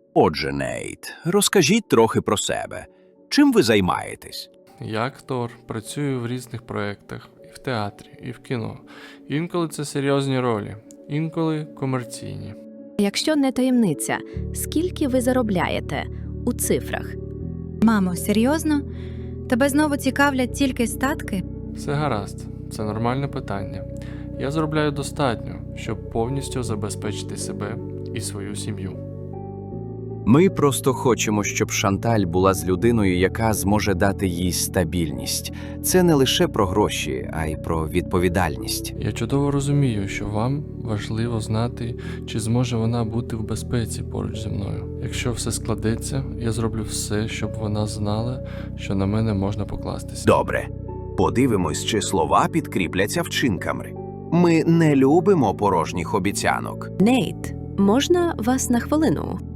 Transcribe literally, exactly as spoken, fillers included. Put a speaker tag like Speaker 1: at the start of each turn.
Speaker 1: Отже, Нейт, розкажіть трохи про себе. Чим ви займаєтесь?
Speaker 2: Я актор, працюю в різних проєктах, і в театрі, і в кіно. Інколи це серйозні ролі, інколи комерційні.
Speaker 3: Якщо не таємниця, скільки ви заробляєте у цифрах?
Speaker 4: Мамо, серйозно? Тебе знову цікавлять тільки статки?
Speaker 2: Все гаразд, це нормальне питання. Я заробляю достатньо, щоб повністю забезпечити себе і свою сім'ю.
Speaker 1: Ми просто хочемо, щоб Шанталь була з людиною, яка зможе дати їй стабільність. Це не лише про гроші, а й про відповідальність.
Speaker 2: Я чудово розумію, що вам важливо знати, чи зможе вона бути в безпеці поруч зі мною. Якщо все складеться, я зроблю все, щоб вона знала, що на мене можна покластися.
Speaker 5: Добре. Подивимось, чи слова підкріпляться вчинками. Ми не любимо порожніх обіцянок.
Speaker 3: Нейт, можна вас на хвилину?